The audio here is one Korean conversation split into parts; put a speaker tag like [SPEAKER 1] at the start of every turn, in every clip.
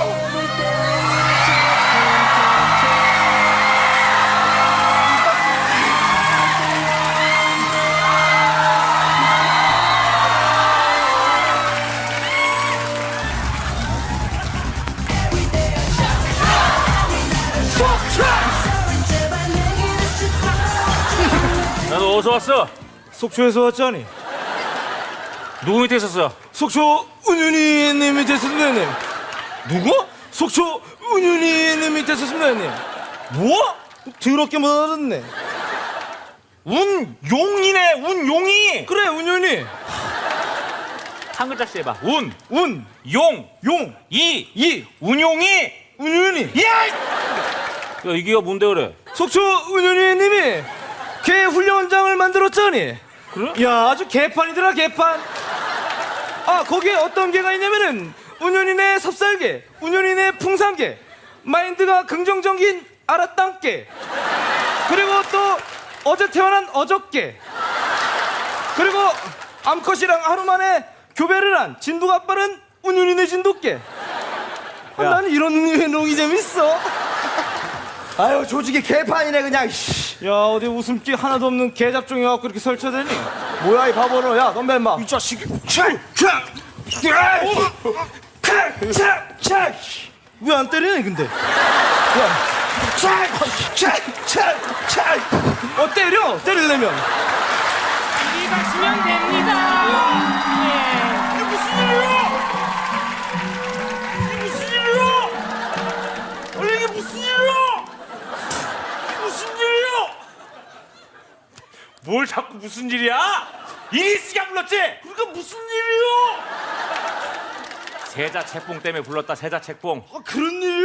[SPEAKER 1] 너 어디서 왔어?
[SPEAKER 2] 속초에서 왔자니.
[SPEAKER 1] 누구 밑에 있었어?
[SPEAKER 2] 속초 은윤이님 밑에 있었습니다, 형님.
[SPEAKER 1] 누구?
[SPEAKER 2] 속초 은윤이님 밑에 있었습니다, 형님. 뭐? 더럽게 못 알았네.
[SPEAKER 1] 운용이네, 운용이.
[SPEAKER 2] 그래, 은윤이.
[SPEAKER 1] 한 글자씩 해봐. 운,
[SPEAKER 2] 운,
[SPEAKER 1] 용,
[SPEAKER 2] 용,
[SPEAKER 1] 이, 운용이.
[SPEAKER 2] 은윤이.
[SPEAKER 1] 야! 야, 이게 뭔데 그래?
[SPEAKER 2] 속초 은윤이님이 개 훈련장을 만들었자니.
[SPEAKER 1] 그래?
[SPEAKER 2] 야, 아주 개판이더라, 개판. 아, 거기에 어떤 개가 있냐면은 운윤이네 삽살개, 운윤이네 풍산개, 마인드가 긍정적인 아라땅개, 그리고 또 어제 태어난 어저께, 그리고 암컷이랑 하루 만에 교배를 한 진도가 빠른 운윤이네 진돗개. 아, 나는 이런 농이 재밌어.
[SPEAKER 3] 아유 조직이 개판이네 그냥.
[SPEAKER 2] 야, 어디 웃음기 하나도 없는 개잡종이 와갖고 이렇게 설쳐대니?
[SPEAKER 3] 뭐야 이 바보는. 야 덤벼 임마.
[SPEAKER 2] 이 자식이. 왜 안 때리니 근데? 때려! 때리려면.
[SPEAKER 4] 이리 가시면 됩니다.
[SPEAKER 1] 이게 무슨 일이야? 이게 무슨 일이야? 원래 이게 무슨 일이야? 이게 무슨 일이야? 뭘 자꾸 무슨 일이야? 이리 씨가 불렀지? 그러니까 무슨 일이야? 세자 책봉 때문에 불렀다. 세자 책봉.
[SPEAKER 2] 아, 그런 일이요?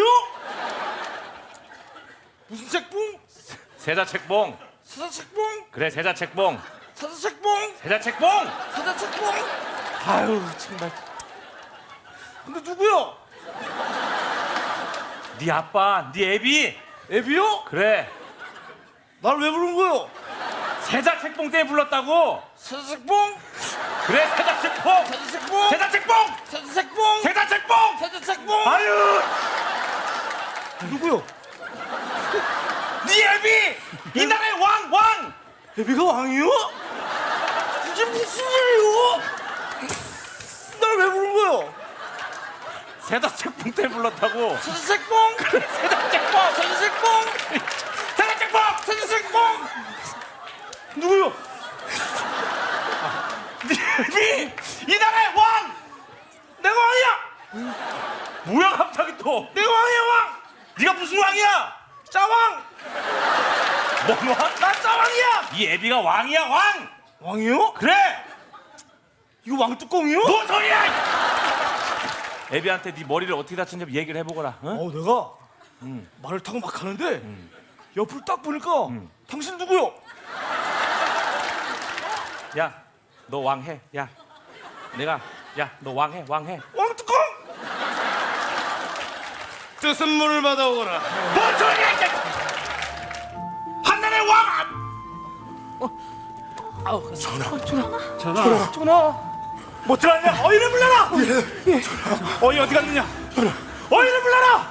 [SPEAKER 2] 무슨 책봉?
[SPEAKER 1] 세자 책봉.
[SPEAKER 2] 사자 책봉?
[SPEAKER 1] 그래, 세자 책봉.
[SPEAKER 2] 사자 책봉?
[SPEAKER 1] 세자 책봉.
[SPEAKER 2] 사자 책봉?
[SPEAKER 1] 아유, 정말.
[SPEAKER 2] 근데 누구야?
[SPEAKER 1] 네 아빠, 네 애비.
[SPEAKER 2] 애비요?
[SPEAKER 1] 그래,
[SPEAKER 2] 날 왜 부른 거요?
[SPEAKER 1] 세자 책봉 때문에 불렀다고.
[SPEAKER 2] 사자 책봉?
[SPEAKER 1] 그래, 세자 책봉.
[SPEAKER 2] 사자 책봉?
[SPEAKER 1] 세자 책봉.
[SPEAKER 2] 사자 책봉?
[SPEAKER 1] 세자 책봉.
[SPEAKER 2] 사자 책봉?
[SPEAKER 1] 아유,
[SPEAKER 2] 누구요?
[SPEAKER 1] 네 애비. 이 나라의 왕.
[SPEAKER 2] 애비가 왕이요? 이게 무슨 일이요? 날 왜 부른 거요?
[SPEAKER 1] 세자 책봉 때문에 불렀다고.
[SPEAKER 2] 사자 책봉?
[SPEAKER 1] 그래, 세자 책봉.
[SPEAKER 2] 사자 책봉?
[SPEAKER 1] 세자 책봉.
[SPEAKER 2] 사자 책봉? 누구요?
[SPEAKER 1] 네 애비. 이 나라의 왕.
[SPEAKER 2] 내가 왕이야!
[SPEAKER 1] 뭐야 갑자기 또.
[SPEAKER 2] 내가 왕이야, 왕!
[SPEAKER 1] 네가 무슨 왕이야?
[SPEAKER 2] 짜왕!
[SPEAKER 1] 뭔 왕?
[SPEAKER 2] 나 짜왕이야!
[SPEAKER 1] 이 애비가 왕이야, 왕.
[SPEAKER 2] 왕이요?
[SPEAKER 1] 그래.
[SPEAKER 2] 이거 왕뚜껑이요?
[SPEAKER 1] 뭔 소리야? 애비한테 네 머리를 어떻게 다쳤는지 얘기를 해보거라. 응?
[SPEAKER 2] 내가 말을 타고 막 가는데 옆을 딱 보니까 당신 누구요?
[SPEAKER 1] 야, 너 왕해. 야, 너 왕해.
[SPEAKER 2] 왕뚜껑! 뜻은 물을 받아오거라.
[SPEAKER 1] 뭔 소리야? 이게. 한나라의 왕.
[SPEAKER 2] 전화. 못 들었냐? 어이를 불러라! 어이 어디 갔느냐? 어이를 불러라!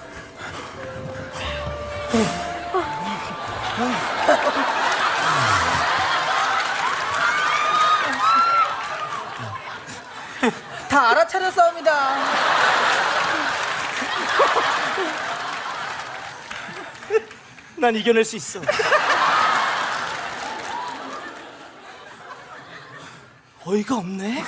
[SPEAKER 4] 다 알아차렸사옵니다.
[SPEAKER 2] 난 이겨낼 수 있어. 어이가 없네.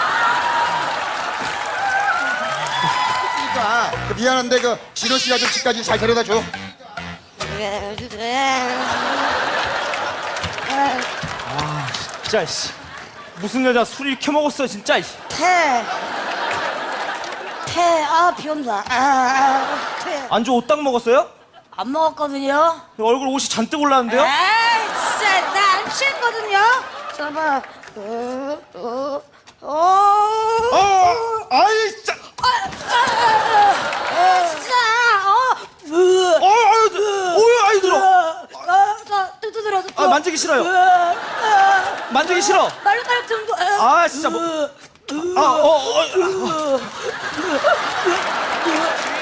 [SPEAKER 3] 미안한데 그 진호 씨가 좀 집까지 잘 데려다 줘.
[SPEAKER 2] 진짜 씨. 무슨 여자 술 이렇게 먹었어 진짜.
[SPEAKER 5] 비 온다. 태.
[SPEAKER 2] 안주 옷딱 먹었어요?
[SPEAKER 5] 안 먹었거든요.
[SPEAKER 2] 얼굴 옷이 잔뜩 올라왔는데요?
[SPEAKER 5] 에이, 진짜 나 안 취했거든요. 잠깐만.
[SPEAKER 2] 아이 진짜.
[SPEAKER 5] 진짜.
[SPEAKER 2] 아이 들어.
[SPEAKER 5] 뜯어들어.
[SPEAKER 2] 아, 만지기 싫어요. 만지기 싫어.
[SPEAKER 5] 빨리 좀.
[SPEAKER 2] 아 진짜 뭐.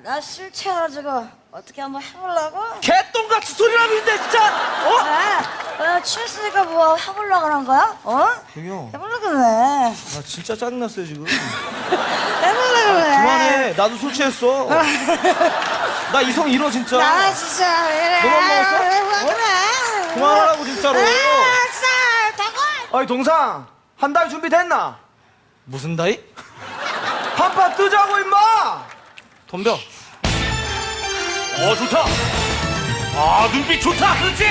[SPEAKER 5] 나 실체가지고 어떻게 한번 해보려고?
[SPEAKER 2] 개똥같이 소리를 하는데 진짜.
[SPEAKER 5] 취했으니까 뭐 해보려고 그런 거야?
[SPEAKER 2] 형이요.
[SPEAKER 5] 해보려고 그래.
[SPEAKER 2] 나 진짜 짜증났어요 지금.
[SPEAKER 5] 해보려고 그래.
[SPEAKER 2] 그만해. 나도 술 취했어. 나 이성 잃어 진짜.
[SPEAKER 5] 나 진짜 왜 이래?
[SPEAKER 2] 너만 먹었어?
[SPEAKER 5] 해보려고 그래.
[SPEAKER 2] 그만하라고 진짜로.
[SPEAKER 5] 진짜 대고.
[SPEAKER 2] 어이 동상 한 달 준비됐나? 무슨 다이? 한판 뜨자고 임마. 덤벼.
[SPEAKER 1] 좋다. 눈빛 좋다. 그렇지.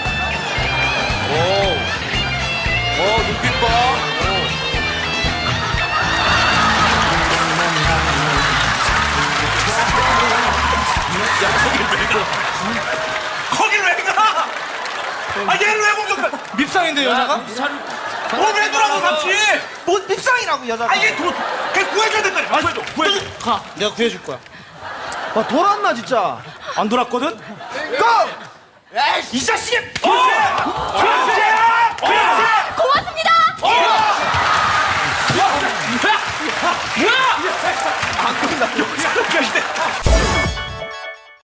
[SPEAKER 1] 눈빛 봐. 거길 왜 가? 얘는 왜 공격해?
[SPEAKER 2] 밉상인데 여자가?
[SPEAKER 1] 왜 돌아가 같이?
[SPEAKER 2] 뭐 밉상이라고 여자가?
[SPEAKER 1] 얘 구해줘야 된다. 구해줘.
[SPEAKER 2] 가. 내가 구해줄 거야. 아 돌았나 진짜? 안 돌았거든? 고!
[SPEAKER 1] 이 자식이! 그렇지!